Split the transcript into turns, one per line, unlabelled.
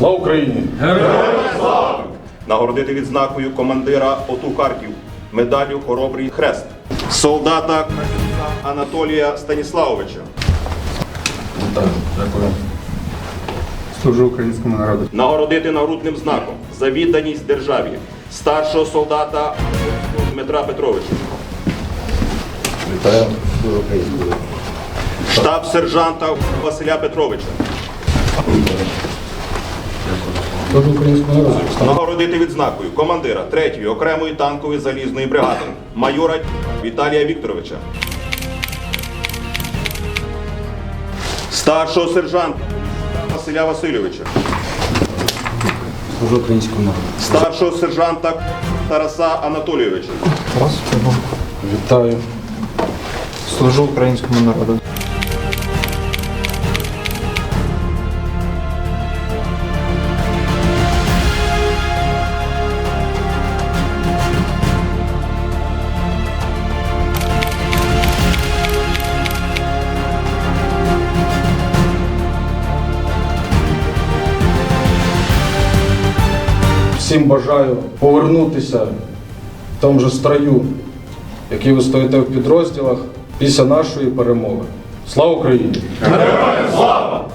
Слава Україні!
Героям слава!
Нагородити відзнакою командира ОТУ Харків медаллю Хоробрий Хрест. Солдата Анатолія Станіславовича.
Вітаю, дякую. Служу українському народу.
Нагородити нагрудним знаком за відданість державі старшого солдата Дмитра Петровича.
Вітаю, служу українському народу.
Штаб-сержанта Василя Петровича.
Служу українському народу.
Нагородити відзнакою командира 3-ї окремої танкової залізної бригади майора Віталія Вікторовича. Старшого сержанта Василя Васильовича.
Служу українському народу.
Старшого сержанта Тараса Анатолійовича.
Вітаю. Служу українському народу. Всім бажаю повернутися в тому же строю, який ви стоїте в підрозділах після нашої перемоги. Слава Україні!
Героям слава!